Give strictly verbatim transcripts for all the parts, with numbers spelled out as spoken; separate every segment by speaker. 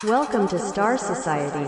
Speaker 1: Welcome to Star Society.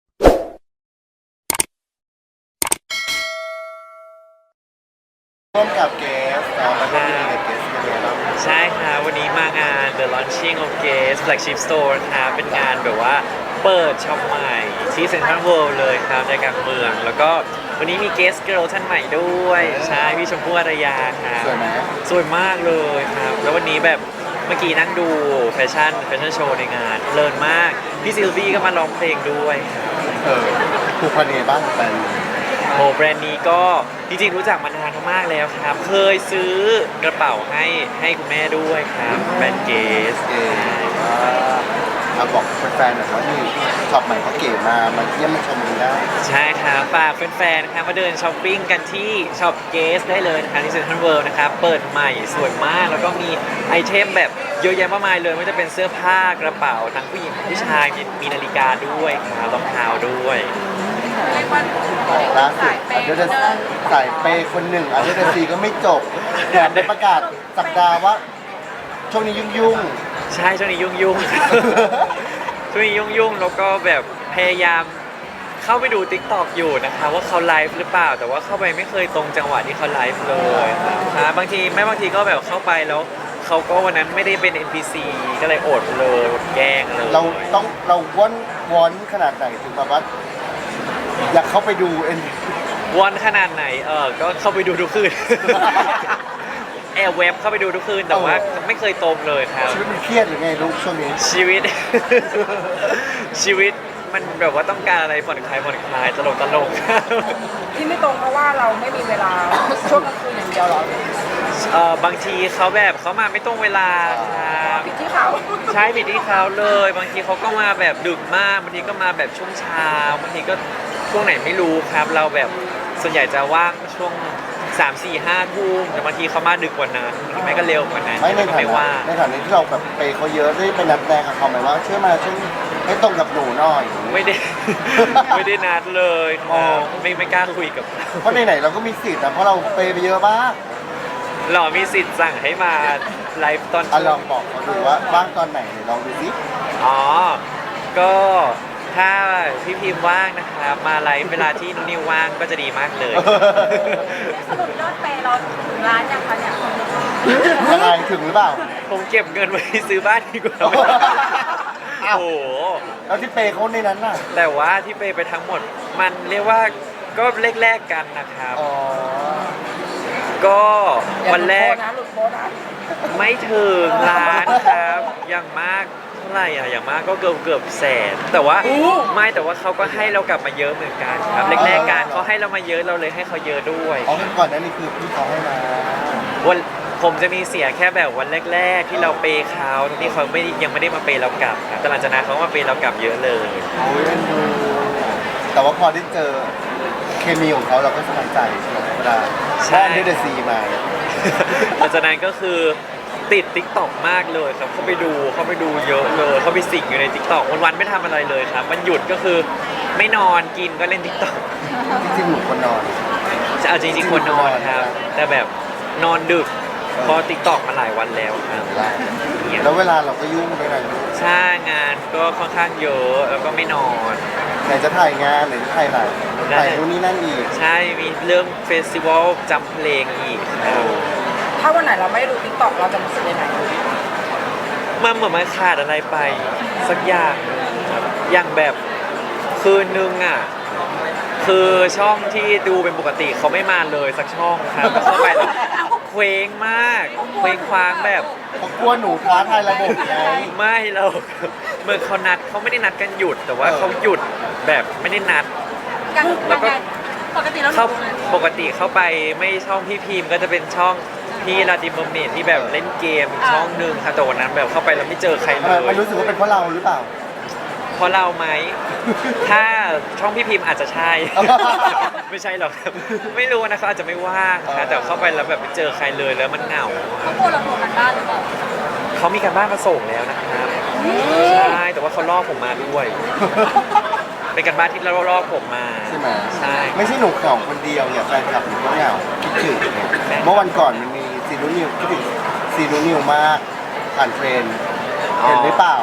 Speaker 2: ร่วมกับเกสครับมาร่วมงานกับเกสกันเลยครับ
Speaker 3: ใช่ค่ะวันนี้มางาน The Launching of Guess Flagship Store ครับเป็นงานแบบว่าเปิดช็อปใหม่ที่เซ็นทรัลเวิลด์เลยครับในกลางเมือง แล้วก็วันนี้มี Guest Girl ท่านใหม่ด้วย ใช่พี่ชมพู่อารยาครับ
Speaker 2: สวยไหม
Speaker 3: สวยมากเลยครับ แล้ววันนี้แบบเมื่อกี้นั่งดูแฟชั่นแฟชั่นโชว์ในงานเพลินมาก พี่ซิลวี่ก็มาร้องเพลงด้วยครับ
Speaker 2: เออผูกพันยังไงบ้างกับแฟน
Speaker 3: โอ้แบรนด์นี้ก็จริงๆรู้จักมานานมากแล้วครับ เคยซื้อกระเป๋าให้ให้คุณแม่ด้วยครับแบรนด์เกส
Speaker 2: เก๋เอาบอกแฟนๆหน่อยว่านี่ช็อปใหม่เขาเก๋มามาเยี่ยมมาชมกันได้
Speaker 3: ใช่ครับฝากแฟนๆนะครับมาเดินช้อปปิ้งกันที่ช็อปเกสได้เลยนะครับที่เซ็นทรัลเวิลด์นะครับเปิดใหม่สวยมาก แล้วก็มีไอเทมแบบเยอะแยะมากมายเลยไม่ว่าจะเป็นเสื้อผ้ากระเป๋าทั้งผู้หญิงผู้ชายมีมีนาฬิกาด้วยครับรองเท้าด้วย
Speaker 4: เรียกว่า
Speaker 2: ล่าสุ
Speaker 4: สา
Speaker 2: ด
Speaker 4: ยเป
Speaker 2: อัน
Speaker 4: ย์
Speaker 2: เดอร์สายเปย์คนหนึ่งอันเดอร์ซีก็ไม่จบแถมได้ประกาศสัปดาห์ว่าช่วงนี้ยุ่ง
Speaker 3: ใช่ช่วงนี้ยุ่งยุ่งๆ ช่วงนี้ยุ่งยุ่งๆแล้วก็แบบพยายามเข้าไปดู ติ๊กต็อก อยู่นะคะว่าเขาไลฟ์หรือเปล่า แต่ว่าเข้าไปไม่เคยตรงจังหวะที่เขาไลฟ์เลยครับบางทีไม่บางทีก็แบบเข้าไปแล้วเขาก็วันนั้นไม่ได้เป็น เอ็น พี ซี ก็เลยอดเลยอดแกล้งเลย
Speaker 2: ๆเราต้องเราว่อนวอนขนาดไหนถึงแบบว่าอยากเข้าไปดูเอ็น
Speaker 3: วันขนาดไหนเออก็เข้าไปดูทุกคืน แอบเว็บเข้าไปดูทุกคืนแต่ว่าไม่เคยตรงเลยครับ
Speaker 2: ชีวิตมันเครียดหรือไงลูกช่วงนี้
Speaker 3: ชีวิต ชีวิตมันแบบว่าต้องการอะไรผ่อนคลายผ่อนคลายตลกตลก
Speaker 4: ที่ไม่ตรงเพราะว่าเราไม่มีเวลาช่วงกลางคืนอย่างเดียวหรอ
Speaker 3: เออบางทีเขาแบบเขามาไม่ตรงเวลาครับ
Speaker 4: ผิดที่เขา
Speaker 3: ใช่ผิดที่เขาเลย บางทีเขาก็มาแบบดึกมากบางทีก็มาแบบช่วงเช้าบางทีก็ช่วงไหนไม่รู้ครับ เราแบบส่วนใหญ่จะว่างช่วงสามสี่ห้าทุ่มแต่บางทีเขามาดึกกว่านั้นบางทีไม่ก็เร็วกว่านั้น
Speaker 2: ไม่ใน
Speaker 3: ก็
Speaker 2: ฐา
Speaker 3: ไม่
Speaker 2: นะ
Speaker 3: ว่า
Speaker 2: ในฐานะที่เราแบบไปเขาเยอะได้ไปนัดแรงกับเขาไหมว่าช่วยมาช่วยให้ตรงกับหนูหน่อย
Speaker 3: ไม่ได้ ไม่ได้นัดเลยค
Speaker 2: อ๋
Speaker 3: รั
Speaker 2: อ
Speaker 3: บไม่ไม่กล้าคุยกับเขา
Speaker 2: เพราะไหนๆเราก็มีสิทธิ์นะเพราะเราไปไปเยอะมาก
Speaker 3: หล่อมีสิทธิ์สั่งให้มาไลฟ์ตอน
Speaker 2: อ่ะลองบอกเขาดูว่าว่างตอนไหนไหนลองดูสิ
Speaker 3: อ๋อ ก็ถ้าพี่พิมพ์ว่างนะครับมาไลฟ์เวลาที่นุนนิวว่างก็จะดีมากเลย
Speaker 4: สรุปยอดเปย์เราถึงร้านยังคะเนี่ย
Speaker 2: ยังไงถึงหรือเปล่า
Speaker 3: ผมเก็บเงินไว้ซื้อบ้านดีกว่า
Speaker 2: อ้าว
Speaker 3: โอ้โห
Speaker 2: แล้วที่เปย์เขาในนั้นน่ะ
Speaker 3: แต่ว่าที่ไปไปทั้งหมดมันเรียกว่าก็แลกๆกันนะครับ
Speaker 2: อ๋อ
Speaker 3: ก็วันแรก
Speaker 4: อย่าหลุดโพสต์นะหลุดโพสต์นะ
Speaker 3: ไม่ถึงล้านครับ อย่างมากเท่าไหร่อะอย่างมากก็เกือบเกือบแสน แต่ว่าไม่แต่ว่าเขาก็ให้เรากลับมาเยอะเหมือนกันครับแรกๆกันเขาให้เรามาเยอะเราเลยให้เขาเยอะด้วย
Speaker 2: อ๋อก่อนหนั้นนี่คือพี่เขาให้มา
Speaker 3: วันผมจะมีเสียแค่แบบวันแรก ๆ ที่เราเปย์เขาที่เขาไม่ยังไม่ได้มาเปย์เรากลับครับแต่หลังจากนั้นเขาก็มาเปย์เรากลับเยอะเลย
Speaker 2: โอ้ยเอ็นดูแต่ว่าพอได้เจอเคมีของเขาเราก็สบายใจใช่ไหมเวลา
Speaker 3: ใช่
Speaker 2: ได้เดอะซีมา
Speaker 3: หลังจากนั้นก็คือติด ติ๊กต็อก มากเลยครับ เขาไปดูเขาไปดูเยอะเลย เขาไปสิงอยู่ใน ติ๊กต็อก วันๆไม่ทำอะไรเลยครับวันหยุดก็คือไม่นอนกินก็เล่น ติ๊กต็อก
Speaker 2: จริงๆหนูคนนอน
Speaker 3: จะเอาจริงๆควรนอนครับ แต่แบบนอนดึกเพอ ติ๊กต็อก มาหลายวันแล้วครับเนี่ย
Speaker 2: แล้วเวลาเราก็ยุ่งด้วยนะ
Speaker 3: ใช่งานก็ค่อนข้างเยอะแล้วก็ไม่นอน
Speaker 2: ไหนจะถ่ายงานไหนจะถ่ายหนังถ่ายนู่นนี่นั่นอีก
Speaker 3: ใช่มีเรื่องเฟสติวัลจำเพลงอีกครับ
Speaker 4: ถ้าวันไหนเราไม่ดูติ๊กต็อกเราจะรู้สึกยังไง
Speaker 3: มันเหมือนมันขาดอะไรไปสักอย่างหนึ่งครับอย่างแบบคืนนึงอ่ะคือช่องที่ดูเป็นปกติเขาไม่มาเลยสักช่องครับเข้าไปแล้วเคว้งมากเคว้งคว้างแบบ
Speaker 2: เขากลัวหนูท้าทายระบบไง
Speaker 3: ไม่เราเหมื่อนเขานัดเขาไม่ได้นัดกันหยุด แต่ว่าเขาหยุดแบบไม่ได้นัด
Speaker 4: ยัง
Speaker 3: แล้วก็
Speaker 4: ปกติเรา
Speaker 3: เข้าปกติเข้าไปไม่ช่องพี่พิมพ์ก็จะเป็นช่องพี่ลาดิมเบอร์เมดที่แบบเล่นเกมอีกช่องหนึ่งค่ะแต่วันนั้นแบบเข้าไปแล้วไม่เจอใครเล
Speaker 2: เออย มันรู้สึกว่าเป็นเพราะเราหรือเปล่า
Speaker 3: เพราะเราไหม ถ้าช่องพี่พิมพ์อาจจะใช่ ไม่ใช่หรอกครับไม่รู้นะเขาอาจจะไม่ว่างนะแต่เข้าไปแล้วแบบไม่เจอใครเลยแล้วมันเหงา
Speaker 4: เขากลัวเราโดนกันบ้านหรือเปล่า
Speaker 3: เขามีการบ้านมาส่งแล้วนะครับใช่แต่ว่าเขาลอกผมมาด้วย เป็นการบ้านที่เราลอกผมมา
Speaker 2: ใช่ไหม
Speaker 3: ใช่
Speaker 2: ไม่ใช่หนูเหงาคนเดียวเนี่ยแฟนคลับหนูก็เหงาคิดถึงเนี่ยเมื่อวันก่อนมันมีซีนูนิวคิดถึงซีนูนิวมากผ่านเทรนด์เห็นหรือเปล่า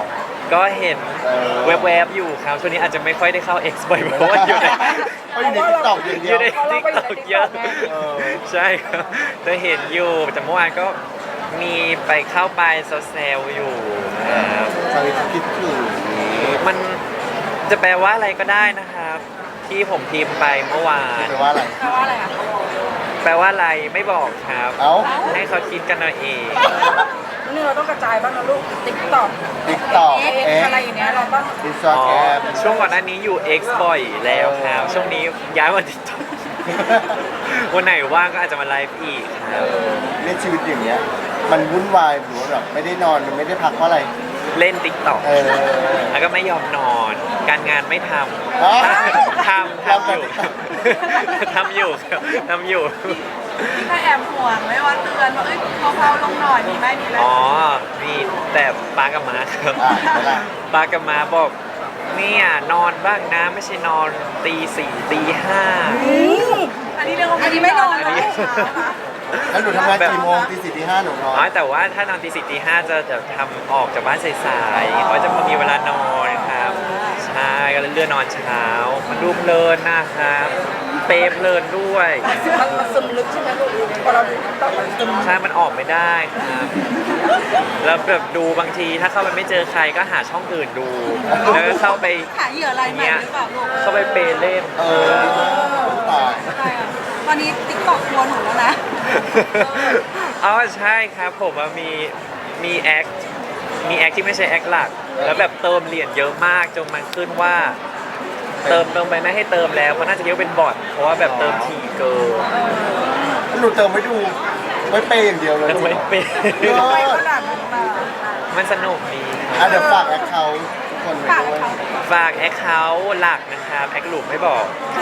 Speaker 3: ก็เห็น
Speaker 2: เออ
Speaker 3: แวบๆอยู่ครับช่วงนี้อาจจะไม่ค่อยได้เข้า X บ่อยเพราะว่าอยู่ใน
Speaker 2: เขาอยู่ในติ๊กต็อกอย่าง
Speaker 3: อ
Speaker 2: เดีย
Speaker 3: ยู่
Speaker 2: ว
Speaker 3: ใน
Speaker 4: เพราะเรา
Speaker 3: ติ๊ก
Speaker 4: ก็อยู่
Speaker 3: ต็
Speaker 4: ใน
Speaker 3: อก
Speaker 4: TikTok
Speaker 3: เยอะ
Speaker 4: ไง
Speaker 2: เออ
Speaker 3: ใช่ครับจะเห็นอยู่แต่เมื่อวานก็มีไปเข้าไปแซวๆอยู่ครับ
Speaker 2: สวิตคิดถึง
Speaker 3: มันจะแปลว่าอะไรก็ได้นะครับ ที่ผมพิมพ์ไปเมื่อวาน
Speaker 2: แปลว่าอะไร
Speaker 4: แปลว่าอะไรอ่ะ
Speaker 3: แปลว่าอะไรไม่บอกครับ
Speaker 2: เอ้า
Speaker 3: ให้เขาคิดกันเอาเอง
Speaker 4: นี่เราต้องกระจายบ้างนะลูกติ๊กต็อก
Speaker 2: ติ๊กต็อก
Speaker 4: เอ็ก
Speaker 2: เอ็ก
Speaker 4: อะไรอย่างเงี้ยเราต้อง
Speaker 2: อินสตา
Speaker 3: อ๋อ
Speaker 2: แกรม
Speaker 3: ช่วงก่อนหน้านี้อยู่ X บ่อยแล้วครับช่วงนี้ย้ายมาติดต่อ วันไหนว่างก็อาจจะมาไลฟ์อีกครับ
Speaker 2: เนี่ยชีวิตอย่างเงี้ย มันวุ่นวายหรือว่าแบบไม่ได้นอนมันไม่ได้พักเพราะอะไร
Speaker 3: เล่นติ๊กต็อก
Speaker 2: เออ
Speaker 3: แล้วก็ไม่ยอมนอน การงานไม่ท
Speaker 2: อ๋อ
Speaker 3: ำทำทำอยู่ ทำอยู่ครับทำอยู่
Speaker 5: ถ้าแอบห่วงไหม่ว่าเตือนว่าเอ้ยเบาๆลงหน่อยมีไหมมีไหม
Speaker 3: อ๋อ มีแต่ป้ากับม้าครับ
Speaker 2: อ่ะเวลา
Speaker 3: ป้ากับม้าบอกเนี่ยนอนบ้างนะไม่ใช่นอนตีสี่ตีห้า
Speaker 5: อันนี้เรียกว่า
Speaker 4: อันนี้ไม่นอน
Speaker 5: อัน
Speaker 4: นะ
Speaker 5: นี้เช้าค่ะ
Speaker 2: แล้วหนูทำงานกี่โมงตีสี่ตีห้าหนูนอน
Speaker 3: อ๋อแต่ว่าถ้านอนตีสี่ตีห้าจะจะทำออกจากบ้านสายๆเพราะจะพอมีเวลานอนครับใช่ก็เลยเลื่อนนอนเช้า มันดูเพลินนะครับ เปรย์เพลินด้วย
Speaker 4: มันมันซึมลึกใช่ไหมลูกพอเราดูติ๊กต็อกมันซึม
Speaker 3: ใช่มันออกไม่ได้ครับ แล้วแบบดูบางทีถ้าเข้าไปไม่เจอใครก็หาช่องอื่นดู แล้วก็เข้าไป
Speaker 5: หาเหยื่ออะไรใหม่หรือเปล่าลูก
Speaker 3: เข้าไปเปย์เล่น
Speaker 2: เออตาย
Speaker 5: ใช่อะตอนนี้ติ๊กต็อกกลัวหนูแล้วนะ
Speaker 3: อ๋อใช่ครับผมว่ามีมีแอคมีแอคที่ไม่ใช่แอคหลัก แล้วแบบเติมเหรียญเยอะมากจนมันขึ้นว่า เติมเติมไปไม่ให้เติมแล้วเพราะน่าจะเยอะเป็นบอทเพราะว่าแบบเติมทีเกิน
Speaker 2: แล้วหนูเติมไม่ดูไว้เปย์อย่างเดียวเลย
Speaker 3: แล้วไม่เป็น
Speaker 2: เอ
Speaker 4: ทำไม
Speaker 2: อ
Speaker 4: ขนาดนั้นมา
Speaker 3: มันสนุกดีค
Speaker 2: อ่ะ
Speaker 3: รับ
Speaker 2: เดี๋ยวฝากแอคเคาท์ทุกคนไว้ด้วย
Speaker 3: ฝากแอคเคาท์หลักนะครับแอคหลุมไม่บอก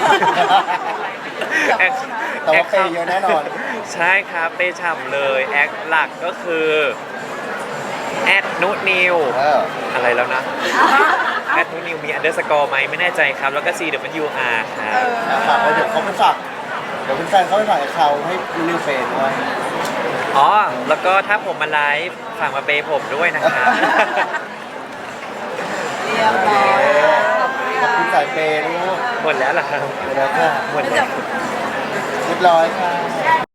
Speaker 3: แอค
Speaker 2: แต่ว่าเปย์เยอะแน่นอน
Speaker 3: ใช่ครับเปย์ฉ่ำเลยแอคหลักก็คือแอดนุนิว
Speaker 2: เออ
Speaker 3: อะไรแล้วนะแอดนุนิวมีอันเดอร์สกอร์ไหมไม่แน่ใจครับ แล้วก็ C W R ครับ
Speaker 2: อ่ะฝากไว้เดี๋ยวเขาไปฝากเดี๋ยวเป็นแฟนเขาไปฝากแอคเคาท์ให้นิวเฟนด้วย
Speaker 3: อ๋อ แล้วก็ถ้าผมมาไลฟ์ฝากมาเปย์ผมด้วยนะครับ
Speaker 5: เรียบร้อย
Speaker 2: ขอบคุณสายเปย์ลูก
Speaker 3: หมดแล้วเหรอครับ
Speaker 2: เดี๋ยวแล้วค่ะ
Speaker 3: หมดแล้ว
Speaker 2: เรียบร้อยค่ะ